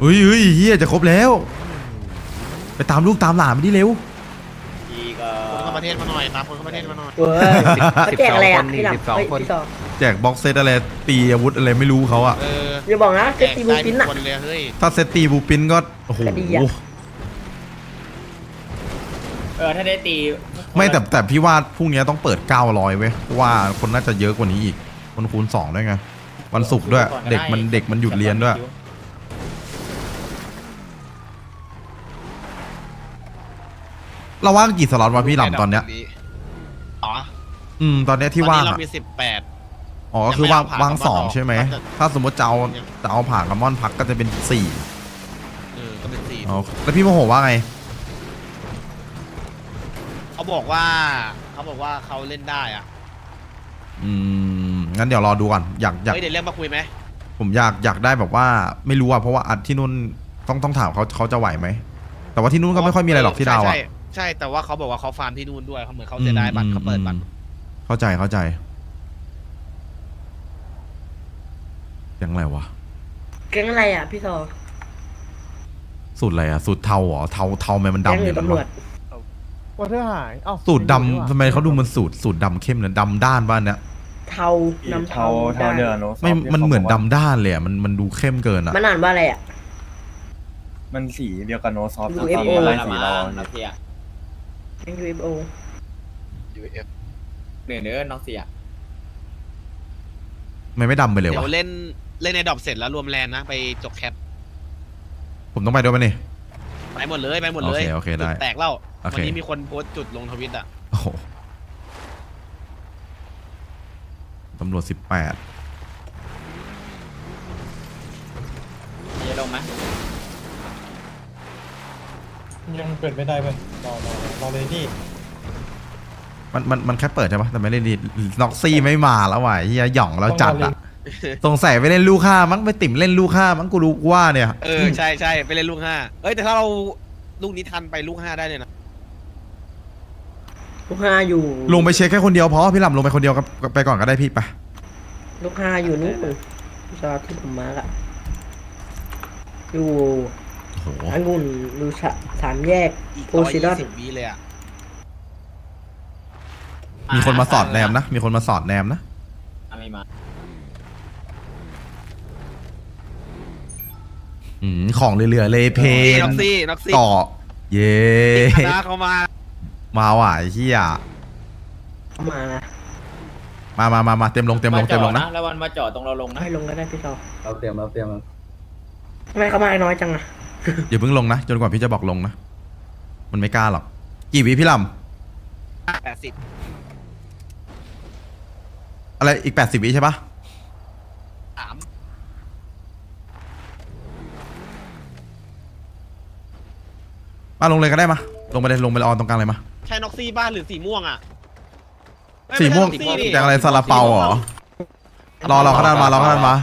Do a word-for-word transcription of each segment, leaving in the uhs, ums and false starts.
เฮ้ยเฮ้ยเฮียจะครบแล้วไปตามลูกตามหลานมาดิเร็วอีกคนเข้าประเทศมาหน่อยตามคนเข้าประเทศมาหน่อยเว้ยเขาแจกอะไรอ่ะพี่หลับเฮ้ยพี่ซอแจกบ็อกเซตอะไรตีอาวุธอะไรไม่รู้เขาอะเอออย่าบอกนะเซตตีบูปินอ่ะคนเลยเฮ้ยถ้าเซตตีบูปินก็โอ้โหก็ดีอะเออถ้าได้ตีไม่แต่แต่พี่ว่าพรุ่งนี้ต้องเปิดเก้าร้อยเว้ยเพราะว่าคนน่าจะเยอะกว่านี้อีกคนคูณสองด้วยไงวันศุกร์ด้วยเด็กมันเด็กมันหยุดเรียนด้วยเราว่างกี่สล็อตวะพี่หลำตอนเนี้ยอ๋ออืมตอนเนี้ยที่ว่างตอนนี้อะเรามีสิบแปดอ๋อคือว่างยังไม่เอาว่างผ่าสองกลับมาใช่ไหมต่อถ้าสมมติจะเอาจะเอาผ่ากระมอนพักก็จะเป็นสี่เออก็เป็นสี่อ๋อแล้วพี่โมโหว่าไงเขาบอกว่าเขาบอกว่าเขาเล่นได้อ่ะอืมงั้นเดี๋ยวรอดูก่อนอยากอยากเฮ้ยเดี๋ยวเรียกมาคุยไหมผมอยากอยากได้แบบว่าไม่รู้อะเพราะว่าอัดที่นู่นต้องต้องถามเขาเขาจะไหวไหมแต่ว่าที่นู่นก็ไม่ค่อยมีอะไรหรอกที่ดาวอะใช่ใช่ใช่แต่ว่าเขาบอกว่าเขาฟาร์มที่นู่นด้วยเขาเหมือนเขาเสียดายบัตรเขาเปิดบัตรเข้าใจเข้าใจยังไรวะแก๊งอะไรอ่ะพี่ซอสูตรอะไรอะสูตรเทาเหรอเทาเทาทำไมมันแก๊งดำหอรือย่างนั้นตำรววะจวอเตอร์หายอ้าวสูตรดำทำไมเขาดูมันสูตรสูตรดำเข้มเนี่ยดำด้านบ้านเนี่ยเทานำเทาเทาเดือโนไม่มันเหมือนดำด้านเลยอะมันมันดูเข้มเกินอะมันอ่านว่าอะไรอ่ะมันสีเดียวกับโนซอฟยู เอฟ โออะไรสีเราน้องเสียแก๊ง ยู เอฟ โอเหนือเนื้อน้องเสียไม่ไม่ดำไปเลยเดี๋ยววะเล่นเล่นในดรอปเสร็จแล้วรวมแลนนะไปจกแคปผมต้องไปด้วยไหมนี่ไปหมดเลยไปหมดเลยโอเคโอเคได้จุแตกแล้วโอเควันนี้มีคนโพสต์จุดลงทวิตอ่ะโอ้โหตำรวจสิบแปดจะลงไหมยังเปิดไม่ได้เว้ยรอรอรอเลยพี่มันมันมันแค่เปิดใช่ปะแต่ไม่ได้ดีน็อกซี่ไม่มาแล้วว่ะเฮียหย่องแล้วจัดอะสงสัยไปเล่นลูกห้ามั้งไปติ่มเล่นลูกห้ามั้งกูรู้ว่าเนี่ยเออใช่ใช่ไปเล่นลูกห้าเอ้ยแต่ถ้าเราลูกนี้ทันไปลูกห้าได้เลยนะลูกห้าอยู่ลงไปเช็คแค่คนเดียวพอพี่ลำลงไปคนเดียวกับไปก่อนก็ได้พี่ไปลูกห้าอยู่นู่นพี่ซอที่ผมมาร์กอ่ะอยู่โอ้โหองุ่นดูสะสามแยกอีกโพร้อยซิดอยี่นสิบวิเลยอ่ะมีคนมาสอดแนมนะ มีคนมาสอดแนมนะไม่มาอืมของเหลือๆเลยเพนี่นน็อกซี่น็อกซี่ต่อเย่คณะเขามามาว่ะไอ้เฮียเข้ามานะมามามามาเต็มลงเต็มลงเต็มลงนะแล้ววันมาจอดตรงเราลงนะให้ลงก็ได้พี่ซอเราเตรียมเราเตรียมทำไมเขามาน้อยจังอ่ะอย่าเพิ่งลงนะจนกว่าพี่จะบอกลงนะมันไม่กล้าหรอกกี่วิพี่ลแปดสิบำอะไรอีกแปดสิบวิใช่ปะสามมาลงเลยก็ได้มาลงไปเลยลงไปออนตรงกลางเลยมาใช่น็อกซี่บ้านหรือสีม่วงอ่ะเอ้ยสีม่วงไใช่น็อกซี่ดิแจงอะไรซาลาเปาเหรอรอรอขนาดมารอขนาดมา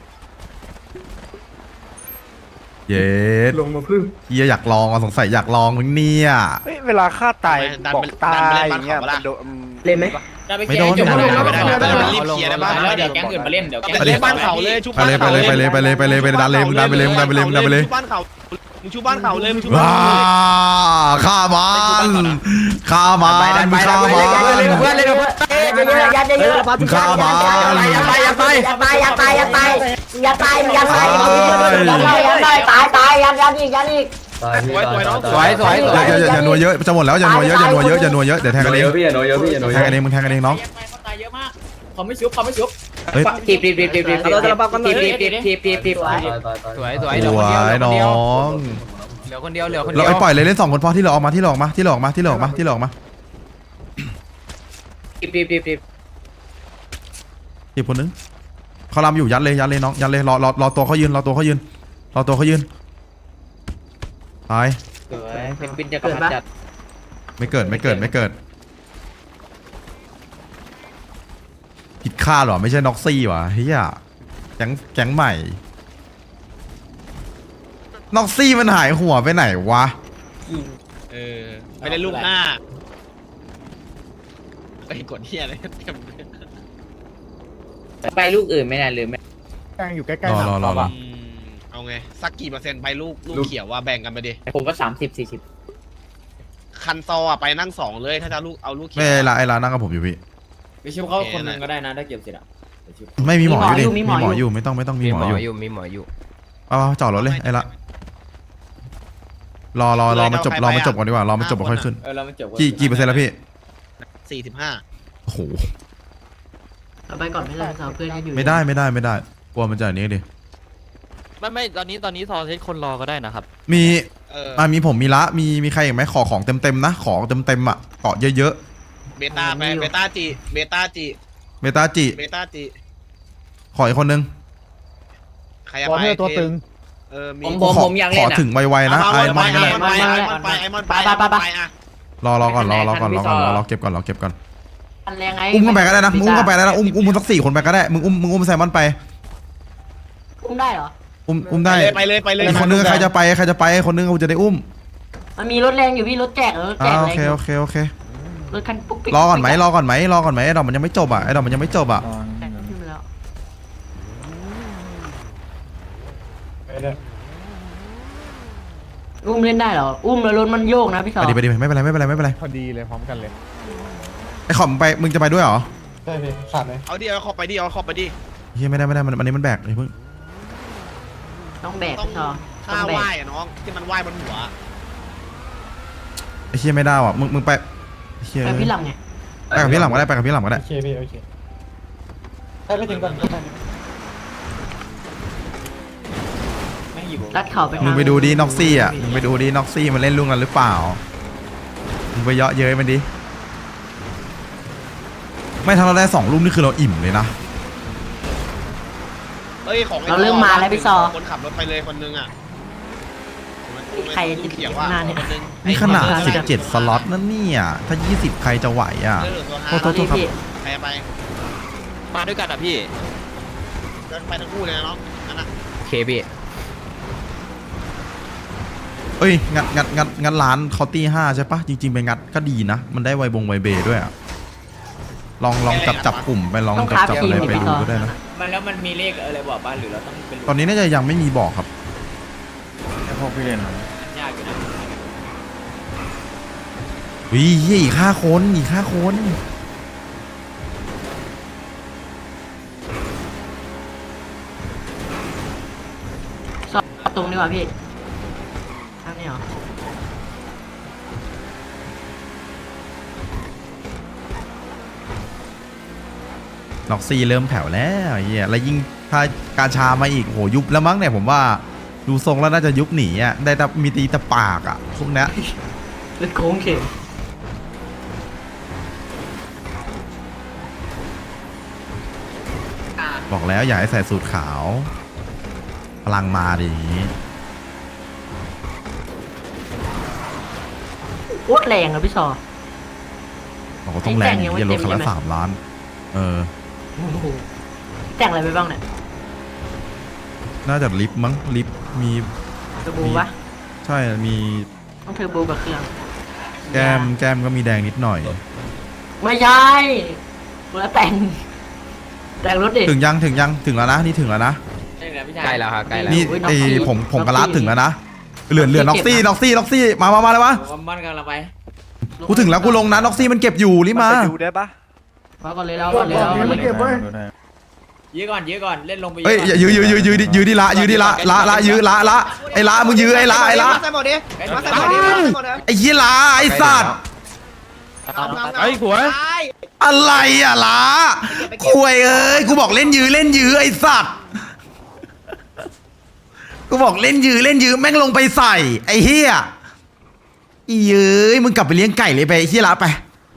เย็ดลงมาพึ่งเฮียอยากลองอ่ะสงสัยอยากลองมึงเนี่ยเฮ้ยเวลาฆ่าตายดันบอกไปตาดันไปยเล่นอย่างเงี้ยบ้านเขาปะล่ะมันโดนเล่นไหมไม่โดนไม่ได้ไม่ไม่ได้ได้ไม่ได้ไม่ได้รีบเคลียร์ได้บ้างแล้วเดี๋ยวแก๊งอื่นมาเล่นเดี๋ยวแก๊งไปเล่นบ้านเขาเลยชุบไปเลยไปเลยไปเลยไปเลยไปเลยไปเลยดันเลยมึงดันไปเลยมึงดันไปเลยมึงดันไปเลยชุบบ้านเขามึงชุบบ้านเขาเลยมึงชุบบ้านว้าเขาเลยฆ่ามันฆ่ามันมึงฆ่ามันเพื่อนเลยเพื่อนเยอะๆยัดเยอะๆมึงฆ่ามันอย่าไปอย่าไปอย่าไปอย่าไปอย่าไปอย่าไปอย่าไปอย่าไปตายตายยันยันอีกยันอีกสวยสวยน้องสวยสวยสวยอย่าอย่าอย่านัวเยอะจะหมดแล้วอย่านัวเยอะอย่านัวเยอะอย่านัวเยอะเดี๋ยวแทงกันเองพี่อย่าโนเยอะพี่อย่าโนเยแทงอะกันเองมึงแทงกันเองน้องเขาตายเยอะมากเขาไม่ชุบเขาไม่ชุบเฮ้ยทีบทีบทีบทีบทีบทีบทีบทีบทีบทีบทีบสวยสวยสวยน้องเหลือคนเดียวเหลือคนเดีเรายวไอ้ปล่อยเลยเล่นสองคนพอที่เราออกมาที่เราออกมาที่เราออกมาที่เราออกมาที่เราออกมาทีบทีบทีบทีบอีกคนนึงเขาลำอยู่ยัดเลยยัดเลยน้องยัดเลยรอรอรอตัวเขายืนรอตัวเขายืนรอตัวเขายืนตายสวยเป็นบินจะกำลังจัดไม่เกิดไม่เกิดไม่เกิดผิดคาดหรอไม่ใช่น็อกซี่วะเฮียแก๊งแก๊งใหม่น็อกซี่มันหายหัวไปไหนวะเออไปเล่นลูกห้าไปกดเฮียอะไรเต็มเลยไปลูกอื่นไม่ได้หรือไม่กลางอยู่ใกล้รอๆรอรอรออืมเอาไงไงสักกี่เปอร์เซ็นต์ไปลูกลูกเขียวว่าแบ่งกันไปดิผมก็สามสิบสี่สิบคันซออะไปนั่งสองเลยถ้าจะลูกเอาลูกเขียวไม่ไอ้ละไอ้ละนั่งกับผมอยู่พี่ไปชิวเขาคนหนึ่งก็ได้นะถ้าเก็บเสร็จอ่ะไม่มีหมออยู่ดิมีมีหมออยู่หมออยู่ไม่ต้องไม่ต้องมีหมออยู่มีหมออยู่เอาเอาจอดรถเลยไอ้ละรอรอรอมาจบรอมาจบก่อนดีกว่ารอมาจบก่อนค่อยขึ้นเออเราไม่จบกี่กี่เปอร์เซ็นต์แล้วพี่สี่สิบห้าโอ้โหเอาไปก่อนไม่ได้สาวเพื่อนยังอยู่ไม่ได้ไม่ได้ไม่ได้กลัวมันจะอันนี้ดิไม่ไม่ตอนนี้ตอนนี้ซอเซตคนรอก็ได้นะครับมีเอออ่ามีผมมีละมีมีใครอีกไหมขอของเต็มเต็มๆนะของเต็มเต็มๆอ่ะเกาะเยอะเบต้าไปเบต้าจีเบต้าจีๆเมตาจิเบต้าจีขออีกคนนึงใครจะไปตัวตึงเออมีผมผมผมอยากขเล่อนอ่ะถึงไวๆนะไอ้มอนก็ได้ไอมอนไปไอมอนไปไอมอนไปไอมอนไปอ่ะรอรอก่อนรอรอก่อนรอก่อนรอรอเก็บก่อนรอเก็บก่อนอันแรงไงอุ้มกันไปก็ได้นะมึงอุ้มกันไปได้นะอุ้มอุ้มมึงสักสี่คนไปก็ได้มึงอุ้มมึงอุ้มไซมอนไปอุ้มได้เหรออุ้มอุ้มได้ไปเลยไปเลยอีกคนนึงใครจะไปใครจะไปคนนึงกูจะได้อุ้มมันมีรถแรงอยู่พี่รถแจกรถแจอ่าก โอแรงเคอยู่โอเคโอเครถคันปุ๊กปิ๊กรอก่อนไหมรอก่อนไหมรอก่อนไหมไอ้ดอกมันยังไม่จบอ่ะไอ้ดอกมันยังไม่จบอ่ะแจกขึ้นมาแล้วไปเลยอุ้มเล่นได้เหรออุ้มแล้วรถมันโยกนะพี่สาวไปดิไปดิไม่เป็นไรไม่เป็นไรไม่เป็นไรพอดีเลยพร้อมกันเลยไอ้ขอมไปมึงจะไปด้วยเหรอใช่พี่ขาดไหมเอาดิเอาเข้าไปดิเอาเข้าไปดิเฮียไม่ได้ไม่ได้มันอันนี้มันแบกเลยเพิ่งต้องแบกต้องพี่สาวต้ท่าองแบไหว้กอะน้องที่มันไหว้บนหัวไอ้เฮียไม่ได้ว่ะมึงมึงไปเฮียไปพี่หลังไงไปกับพี่หลังก็ได้ไปกับพี่หลังก็ได้โอเคพี่โอเคให้ไปถึงก่อนก็ได้ไม่หยิบลัดเข่าไปมึงไปดูดิน็อกซี่อ่ะมึงไปดูดิน็อกซี่มันเล่นลุงกันหรือเปล่ามึงไปเยาะเย้ยมันดิไม่ถ้าเราได้สองลูกนี่คือเราอิ่มเลยนะเอ้ยของไอ้เราเริ่มมาแล้วพี่ซอคนขับรถไปเลยคนนึงอ่ะใครจะเขียวข้าว่างหน้าเนี่ยคนนึงนี่ขนาดสิบเจ็ดสล็อตนั่นเนี่ยถ้ายี่สิบใครจะไหวอ่ะเรื่องตัวโทษโทษโทษครับพี่ใครจะไปมาด้วยกันอ่ะพี่เดินไปทั้งคู่เลยนะน้องนั่นน่ะเคพี่เอ้ยงัดงัดงัดงัดร้านเขาตีห้าใช่ปะจริงๆไปงัดก็ดีนะ มันได้ไวบงไวเบด้วยอ่ะลองลองจับจับกลุ่มไปลองจับจับอะไรไปดูก็ได้นะมันแล้วมันมีเลขอะไรบอกบ้านหรือเราต้องเป็นตอนนี้น่าจะยังไม่มีบอกครับพวกพี่เล่นยากอยู่นะวิเฮียอีกห้าคนอีกห้าคนสอบตรงดีกว่าพี่ทางนี้เหรอล็อกซี่เริ่มแผ่วแล้วไอ้เฮียแล้วยิ่งถ้ากาชามาอีกโหยุบแล้วมั้งเนี่ยผมว่าดูทรงแล้วน่าจะยุบหนีอ่ะได้แต่มีตีแต่ปากอ่ะพวกเนี้ยรถโค้งเข็มบอกแล้วอย่าให้ใส่สูทขาว พลังมาดิอย่างงี้โคตรแรงอะพี่ซอบอกว่าต้องแรงไอ้แจ้งยังไม่อย่ารถคันละเต็มใช่ไหมสามล้าน เออโอ้โหแต่งอะไรไปบ้างเนี่ยน่าจะลิฟต์มั้งลิฟต์มีเทอร์โบปะใช่มีต้องเทอร์โบกับเครื่องแก้มแก้มก็มีแดงนิดหน่อยไม่ใช่แล้วแต่ง แต่งรถดิถึงยังถึงยังถึงแล้วนะนี่ถึงแล้วนะใช่แล้วพี่ชายใกล้แล้วครับใกล้แล้วนี่โอ้ยไอน็อกซี่ผมผมกระลัดน็อกซี่ถึงแล้วนะเหลือเหลือน็น็ออก กซี่ซี่เจ็บนะน็อกซี่น็อกซี่มามามาเลยผวะมบ้านกำลังไปกูถึงแล้วกูลงนะน็อกซี่มันเก็บอยู่รีบมาเอาก่อนเลยแล้วก่อนเลยแล้วก่อนเลยยื้อก่อนยื้อก่อนเล่นลงไปเฮ้ยอย่ายื้อยื้อยื้อยื้อดิยื้อดิละยื้อดิละละละยื้อละละไอ้ละมึงยื้อไอ้ละไอ้ละใส่หมดดิไอ้มามาใส่ใส่หมหดมดิดมาดิใส่หมดดิไอ้ยี่ละไอ้สัตว์ไอ้หัวอะไรอ่ะละคุยเอ้ยกูบอกเล่นยื้อเล่นยื้อไอ้สัตว์กูบอกเล่นยื้อเล่นยื้อแม่งลงไปใส่ไอ้เฮียอีเย้ยมึงกลับไปเลี้ยงไก่เลยไปไอ้เฮียละไป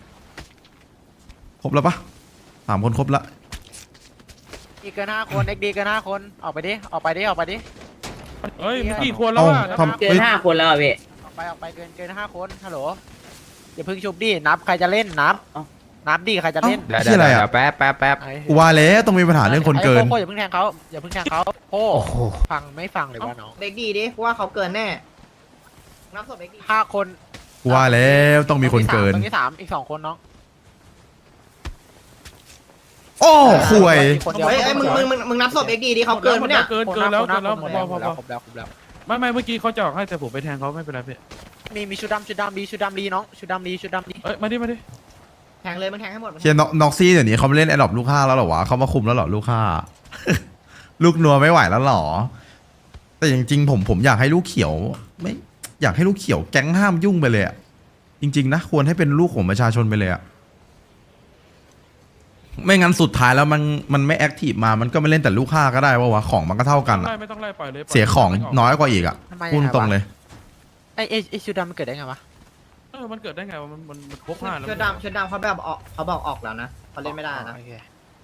ครบแล้วปะสามคนครบละอีกเกินห้าคนเอ็กดีเกินห้าคนออกไปดิออกไปดิออกไปดิเฮ้ยมีกี่คนแล้วเอ้าอ่ะทำเกินเฮ้ยห้าคนแล้วอ่ะพี่ออกไปออกไปเกินเกินห้าคนฮัลโหลอย่าเพิ่งชุบดินับใครจะเล่นนับนับดิใครจะเล่นเดี๋ยวเดี๋ยวเดี๋ยวแป๊บแป๊บแป๊บไอ้กูว่าแล้วต้องมีปัญหาเรื่องคนเกินไอ้โค้อย่าเพิ่งแทงเขาอย่าเพิ่งแทงเขาโค้ฟังไม่ฟังเลยว่าน้องเด็กดีดิว่าเขาเกินแน่นับศพเด็กดีห้าคนกูว่าแล้วต้องมีคนเกินตรงที่สามอีกสองคนน้องโอ้ห่วยคนเดียวเฮ้ยเอ้ยมึงมึงมึงมึงนับศพเอ็กดีดิเขาเกินปะเนี่ยเกินเกินแล้วเกินแล้วครบพอพอแล้วพอครบแล้วครบแล้วไม่ไม่เมื่อกี้เขาจะออกให้แต่ผมไปแทงเขาไม่เป็นไรพี่มีมีชุดดำชุดดำดีชุดดำดีน้องชุดดำดีชุดดำดีเอ้ยมาดิมาดิแทงเลยมึงแทงให้หมดเชียร์น็อกซี่เดี๋ยวนี้เขาไม่เล่นแอดดอปลูกห้าแล้วเหรอวะเขามาคุมแล้วเหรอลูกห้า ลูกนัวไม่ไหวแล้วเหรอ แต่จริงๆผมผมอยากให้ลูกเขียวไม่อยากให้ลูกเขียวแก๊งห้ามยุ่งไปเลยอะจริงๆนะควรให้เป็นลูกของประชาชนไปเลยอะไม่งั้นสุดท้ายแล้วมันมันไม่แอคทีฟมามันก็ไม่เล่นแต่ลูกห้าก็ได้วะวะของมันก็เท่ากันอะไล่ไม่ต้องไล่ปล่อยเลยเสียของน้อยกว่าอีกอะทำไมพูดตรงเลยไอ้ไอ้ไอ้ชุดดำมันเกิดได้ไงวะเออมันเกิดได้ไงวะมันมันมันครบห้าแล้วชุดดำชุดดำเขาแบบออกเขาบอกออกแล้วนะเขาเล่นไม่ได้นะโอเค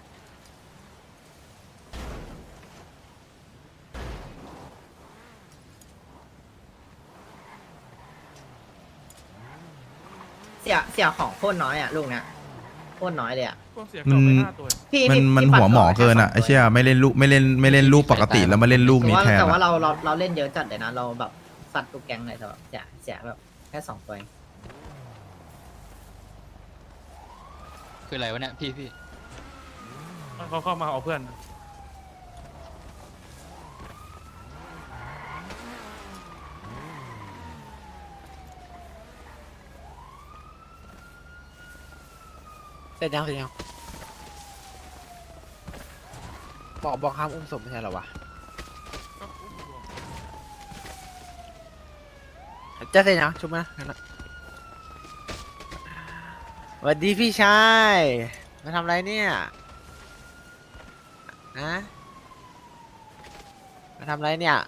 เสียเสียของโคตรน้อยอ่ะลูกเนี้ยโคตรน้อยเลยอ่ะก็เสียกล่องไปห้าตัวพี่มันพี่มันพี่ปัดหัวหมอเกินอะไอเชี่ยไม่เล่นลูกไม่เล่นไม่เล่นลูกปกติแล้วมาเล่นลูกแต่นี้ว่าแทนแต่ว่าอะเราเราเราเล่นเยอะจัดเลยนะเราแบบสัตว์ตุกแกงเลยแต่แบบเสียเสียแบบแค่สองตัวเองคืออะไรวะเนี่ยพี่พี่เขาเข้ามาเอาเพื่อนเสร็จยังเสร็จยังบอกบอกห้ามอุ้มศพไม่ใช่เหรอวะจะเสร็จยังชุบนะงั้นนะสวัสดีพี่ชายมาทำอะไรเนี่ยนะมาทำอะไรเนี่ย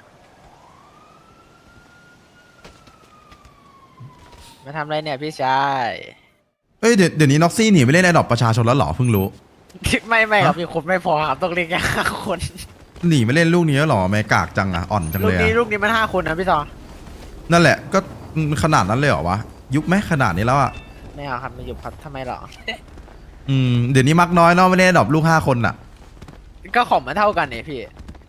มาทำอะไรเนี่ยพี่ชายเอ้ยเดี๋ยวเดี๋ยวนี้น็อกซี่หนีไปเล่นแอดดอปประชาชนแล้วเหรอเพิ่งรู้ไม่ไม่ครับมีคนไม่พอครับต้องเรียกแค่ห้าคนหนีไม่เล่นลูกนี้แล้วเหรอไม่กากจังอะอ่อนจังลูเลกยนี้อะลูกนี้มันห้าคนนะพี่ซอนั่นแหละก็ขนาดนั้นเลยเหรอวะยุคไหมขนาดนี้แล้วอะไม่เอาครับไม่หยุดครับทำไมหรออืมเดี๋ยวนี้มักน้อยเนาะไม่ได้ดรอปลูกห้าคนอะก็ของมันเท่ากันเนี่ยพี่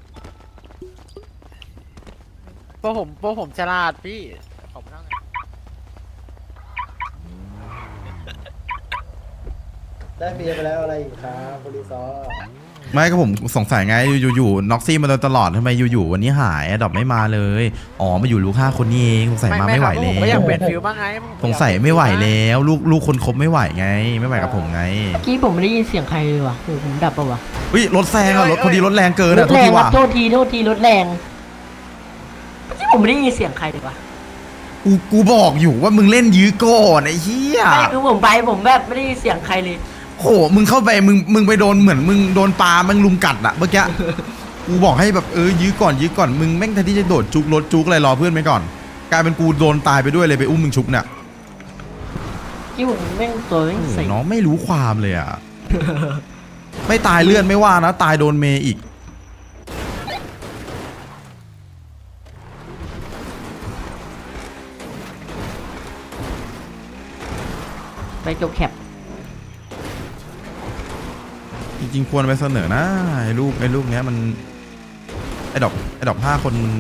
พวกผมพวกผมฉลาดพี่ของมันเท่ากันได้เบียร์ไปแล้วอะไรอีกครับบริซอไม่ก็ผมสงสัยไงอยู่อยู่น็อกซี่มาโดยตลอดทำไมอยู่ๆวันนี้หายดรอปไม่มาเลยอ๋อมาอยู่ลูกห้าคนนี่เองสงสัยมาไม่ไหวครับแล้ผมก็อยากวเปลี่ยนฟิลบ้างไงสงสัยไม่ไหวแล้วลูกลูกคนคบไม่ไหวไง ไม่ไหวกับผมไงเมื่อกี้ผมไม่ได้ยินเสียงใครเลยว่ะคือผมดับปะวะเฮ้ยรถแซงอะรถพอดีรถแรงเกินรอะถทุกแรงทีครัว่ะบโทษทีโทษทีรถแรงเมื่อกี้ผมไม่ได้ยินเสียงใครเลยว่ะกูกูบอกอยู่ว่ามึงเล่นยื้อก่อนไอ้เหี้ยไม่คือผมไปผมแบบไม่ได้ยินเสียงใครเลยโหมึงเข้าไปมึงมึงไปโดนเหมือนมึงโดนปลามึงลุมกัดอะเมื่อกี้ กูบอกให้แบบเออยื้อก่อนยื้อก่อนมึงแม่งแทนที่จะโดดจุกรถจุกอะไรรอเพื่อนไปก่อนกลายเป็นกูโดนตายไปด้วยเลยไปอุ้มมึงชุบเนี่ยที่ผมแม่งตัวแม่งโอ้โหใส่น้องไม่รู้ความเลยอะ ไม่ตายเลื่อนไม่ว่านะ ตายโดนเมย์อีกไปจบแคปจริงๆควรไปเสนอนะไอ้ลูกไอ้ลูกเนี้ยมันไอ้ดอกไอ้ดอกห้าคนมัน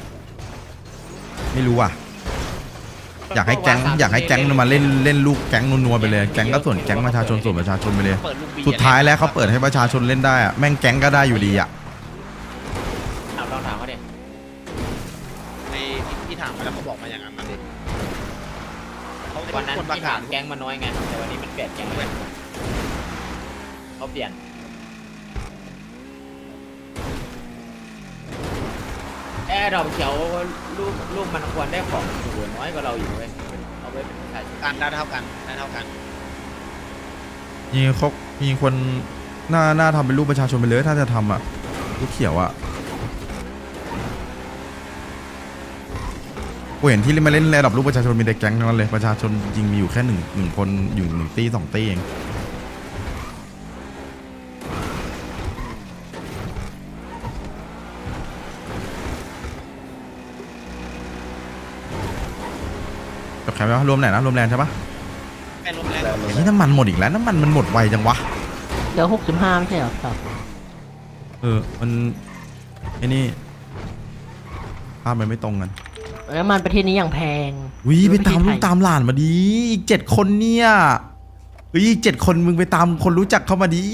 ไม่รู้อ่ะ อยากให้แก๊งอยากให้แก๊งมันมาเล่นเล่นลูกแก๊งนัวๆไปเลยแก๊งก็ส่วนแก๊งประชาชนส่วนประชาชนไปเลยเปิดลูกบีสุดท้ายแล้วเขาเปิดให้ประชาชนเล่นได้อะแม่งแก๊งก็ได้อยู่ดีอ่ะถามลองถามเขาดิในที่ถามมาแล้วเขาบอกมาอย่างนั้นนะดิเขาวันนั้นคนประที่กาถาศมแก๊งมันน้อยไงแต่วันนี้มันเปลี่ยนแก๊งเลยเขาเปลี่ยนแอร์ดอกเขียวลูกลูกมันควรได้ของอยู่น้อยกว่าเราอยู่เว้ยเอาไว้เป็นประชาชนกันได้เท่ากันได้เท่ากันยิงเขายิงคนหน้าหน้าทำเป็นรูปประชาชนไปเลยถ้าจะทำอ่ะลูกเขียวอ่ะกูเห็นที่มาเล่นระดับรูปประชาชนมีแต่แก๊งทั้งนั้นเลยประชาชนจริงมีอยู่แค่หนึ่งหนึ่งคนอยู่หนึ่งตีสองตีเองกับใครไหมวะรวมไหนนะรวมแรงใช่ปะแค่ลมแรงไอ้น้ำมันหมดอีกแล้วน้ำมันมันหมดไวจังวะเหลือหกสิบห้าไม่ใช่เหรอครับเออ มันไอ้นี่ภาพมันไม่ตรงกันแล้วมันประเทศนี้อย่างแพงวิไปตามประเทลูศกไทยตามหลานมาดีอีกเจ็ดคนเนี่ยเฮ้ยอีกเจ็ดคนมึงไปตามคนรู้จักเข้ามาดี